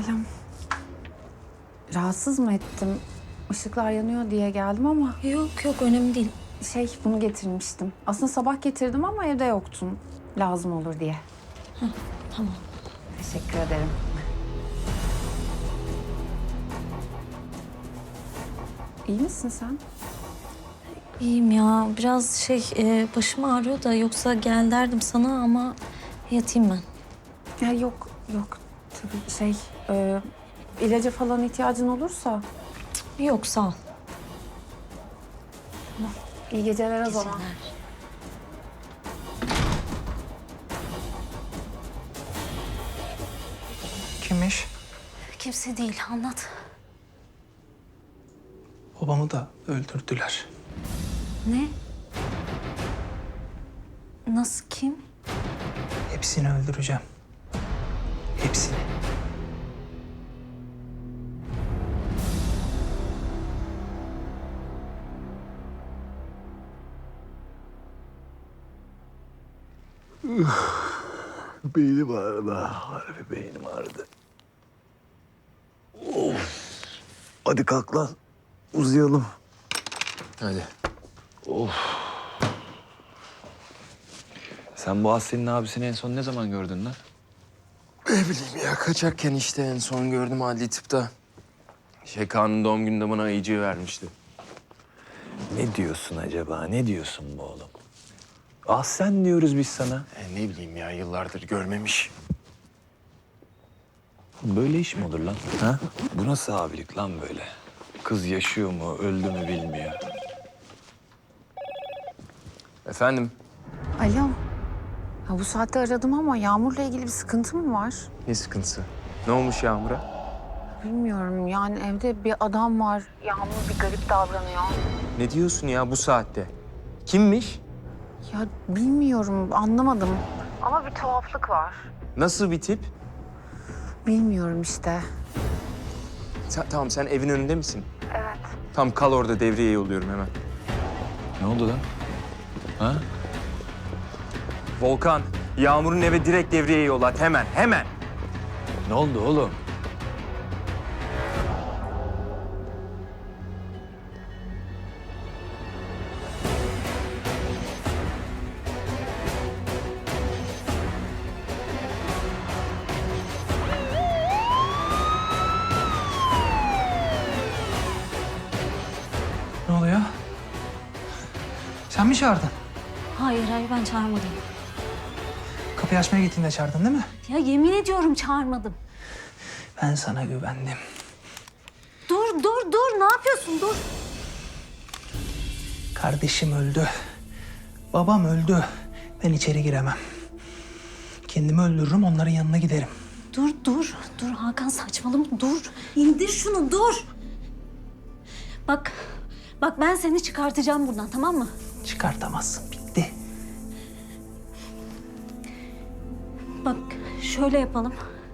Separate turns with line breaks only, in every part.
Selam. Rahatsız mı ettim? Işıklar yanıyor diye geldim ama
Yok yok önemli değil.
bunu getirmiştim. Aslında sabah getirdim ama evde yoktun. Lazım olur diye.
Tamam.
Teşekkür ederim. İyi misin sen?
İyiyim ya. Biraz başım ağrıyor da yoksa gel derdim sana ama yatayım ben.
Ya yok, yok. Tabii ilaca falan ihtiyacın olursa
Yok sağ ol.
iyi geceler o zaman.
Geceler.
Kimmiş?
Kimse değil anlat.
Babamı da öldürdüler.
Ne? Nasıl kim?
Hepsini öldüreceğim. Hepsini.
Beynim ağrıdı. Harbi beynim ağrıdı. Of. Hadi kalk lan. Uzayalım.
Hadi. Sen bu Aslı'nın abisini en son ne zaman gördün lan?
Ne bileyim ya, kaçarken işte en son gördüm adli tıpta. Kaan'ın doğum gününde bana ayıcığı vermişti.
Ne diyorsun acaba? Ne diyorsun bu oğlum? Ah sen diyoruz biz sana.
Ne bileyim ya, yıllardır görmemiş.
Böyle iş mi olur lan? Ha? Bu nasıl abilik lan böyle? Kız yaşıyor mu, öldü mü bilmiyor.
Efendim?
Alo. Ha, bu saatte aradım ama Yağmur'la ilgili bir sıkıntı mı var?
Ne sıkıntısı? Ne olmuş Yağmur'a?
Bilmiyorum. Yani evde bir adam var. Yağmur bir garip davranıyor.
Ne diyorsun ya bu saatte? Kimmiş?
Ya bilmiyorum, anlamadım. Ama bir tuhaflık var.
Nasıl bir tip?
Bilmiyorum işte.
Tamam, sen evin önünde misin?
Evet.
Tamam, kal orada, devreye yolluyorum hemen.
Ne oldu lan? Ha?
Volkan, Yağmur'un eve direkt devreye yollat, hemen, hemen.
Ne oldu oğlum?
Ne oluyor? Sen mi çağırdın?
Hayır ben çağırmadım.
Kapıyı açmaya gittiğinde çağırdın değil mi?
Ya yemin ediyorum çağırmadım.
Ben sana güvendim.
Dur ne yapıyorsun dur.
Kardeşim öldü. Babam öldü. Ben içeri giremem. Kendimi öldürürüm, onların yanına giderim.
Dur Hakan saçmalama dur. İndir şunu dur. Bak ben seni çıkartacağım buradan tamam mı?
Çıkartamazsın, bitti.
Bak şöyle yapalım.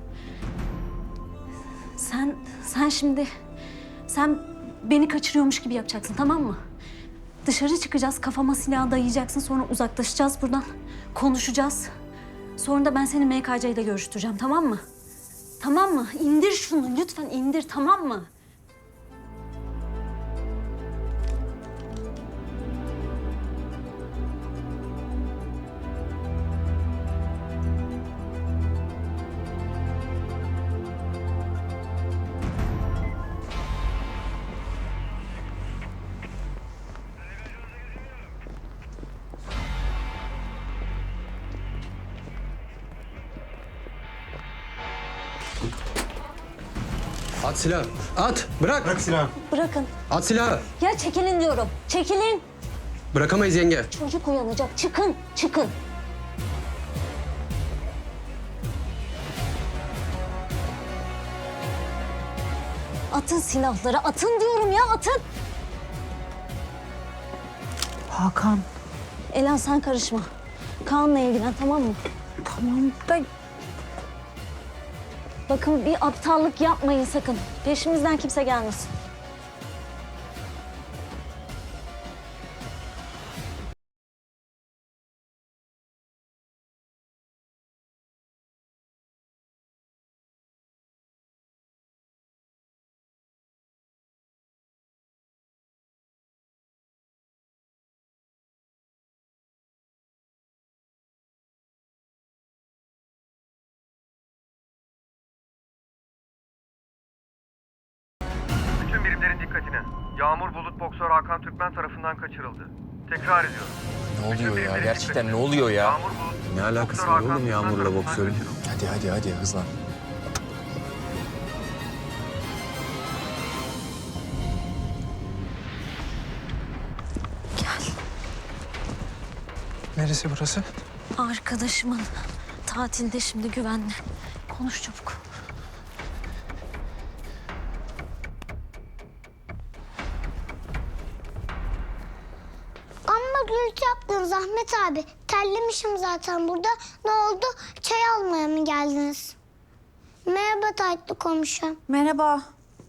Sen beni kaçırıyormuş gibi yapacaksın tamam mı? Dışarı çıkacağız, kafama silah dayayacaksın, sonra uzaklaşacağız buradan. Konuşacağız. Sonra da ben seni MKC ile görüştüreceğim tamam mı? Tamam mı? İndir şunu lütfen indir tamam mı?
At silahı. At. Bırak. Bırak silahı.
Bırakın.
At silahı.
Ya çekilin diyorum. Çekilin.
Bırakamayız yenge.
Çocuk uyanacak. Çıkın. Atın silahları. Atın diyorum ya atın.
Hakan,
Elan sen karışma. Kaan'la ilgilen tamam mı?
tamam da
Bakın bir aptallık yapmayın sakın. Peşimizden kimse gelmesin.
Ekiplerin dikkatine. Yağmur Bulut boksör Hakan Türkmen tarafından kaçırıldı. Tekrar ediyorum.
Ne oluyor ya? Gerçekten ne oluyor ya?
Yağmur Bulut,
Ne alakası
boksör
var
Hakan
oğlum
Türkmen
Yağmur'la
tarafından
boksörün?
kaçırıldı.
Hadi hızlan.
Gel.
Neresi burası?
Arkadaşımın tatilde şimdi güvenli. Konuş çabuk.
Amma gürültü yaptınız Ahmet abi. Terlemişim zaten burada. Ne oldu? Çay almaya mı geldiniz? Merhaba tatlı komşum.
Merhaba.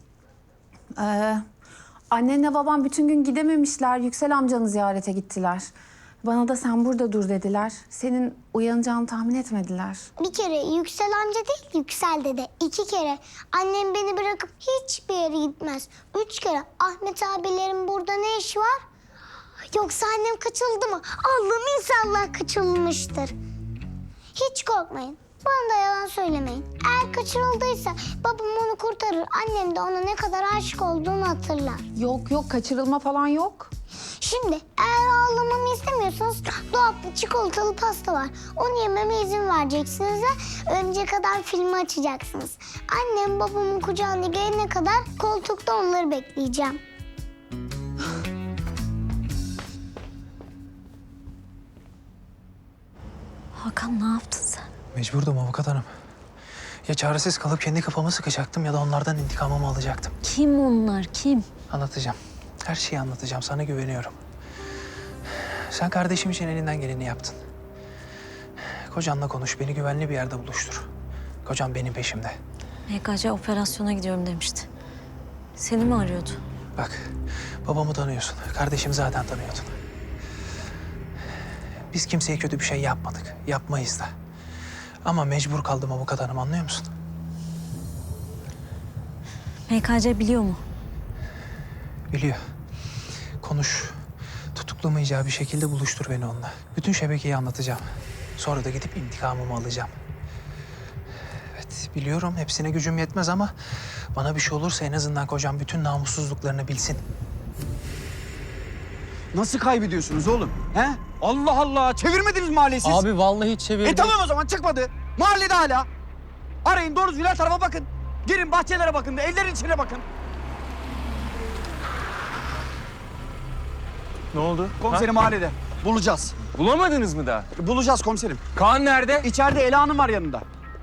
Annenle babam bütün gün gidememişler. Yüksel amcanı ziyarete gittiler. Bana da sen burada dur dediler. Senin uyanacağını tahmin etmediler.
Bir kere Yüksel amca değil, Yüksel dede. 2 kere. Annem beni bırakıp hiçbir yere gitmez. 3 kere. Ahmet abilerin burada ne işi var? Yoksa annem kaçıldı mı? Allah'ım inşallah kaçırılmıştır. Hiç korkmayın. Bana da yalan söylemeyin. Eğer kaçırıldıysa babam onu kurtarır. Annem de ona ne kadar aşık olduğunu hatırlar.
Yok kaçırılma falan yok.
Şimdi eğer ağlamamı istemiyorsanız dolapta çikolatalı pasta var. Onu yememe izin vereceksiniz ve önce kadar filmi açacaksınız. Annem babamın kucağına gelene kadar koltukta onları bekleyeceğim.
Hakan ne yaptın sen?
Mecburdum avukat hanım. Ya çaresiz kalıp kendi kafamı sıkacaktım ya da onlardan intikamımı alacaktım.
Kim onlar? Kim?
Anlatacağım. Her şeyi anlatacağım. Sana güveniyorum. Sen kardeşim için elinden geleni yaptın. Kocanla konuş. Beni güvenli bir yerde buluştur. Kocam benim peşimde.
MKC operasyona gidiyorum demişti. Seni mi arıyordu?
Bak, babamı tanıyorsun. Kardeşimi zaten tanıyordun. Biz kimseye kötü bir şey yapmadık. Yapmayız da. Ama mecbur kaldım avukat hanım, anlıyor musun?
MKC biliyor mu?
Biliyor. Konuş. Tutuklamayacağı bir şekilde buluştur beni onunla. Bütün şebekeyi anlatacağım. Sonra da gidip intikamımı alacağım. Evet, biliyorum hepsine gücüm yetmez ama bana bir şey olursa en azından kocam bütün namussuzluklarını bilsin.
Nasıl kaybediyorsunuz oğlum? He? Allah Allah! Çevirmediniz mahalleyi siz.
Abi vallahi çevirdim.
Tamam o zaman çıkmadı. Mahallede hala. Arayın doğru düzgün her tarafa bakın. Girin bahçelere bakın, evlerin içine bakın.
Ne oldu?
Komiserim mahallede. Bulacağız.
Bulamadınız mı daha?
Bulacağız komiserim.
Kaan nerede?
İçeride Ela Hanım var yanında.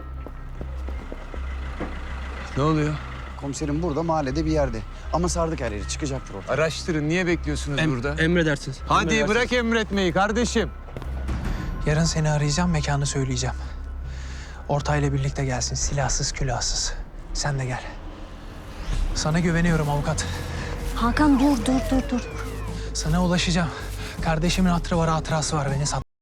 Ne oluyor?
Komiserim burada mahallede bir yerde. Ama sardık her yeri. Çıkacaktır orada.
Araştırın. Niye bekliyorsunuz burada?
Emredersiniz.
Hadi
Emredersiniz.
bırak emretmeyi kardeşim.
Yarın seni arayacağım, mekanı söyleyeceğim. Ortayla birlikte gelsin, silahsız külahsız. Sen de gel. Sana güveniyorum avukat.
Hakan dur.
Sana ulaşacağım. Kardeşimin hatırı var, hatırası var. Beni sat.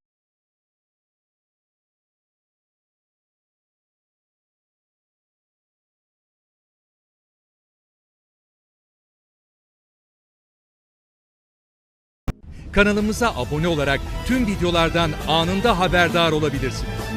Kanalımıza abone olarak tüm videolardan anında haberdar olabilirsiniz.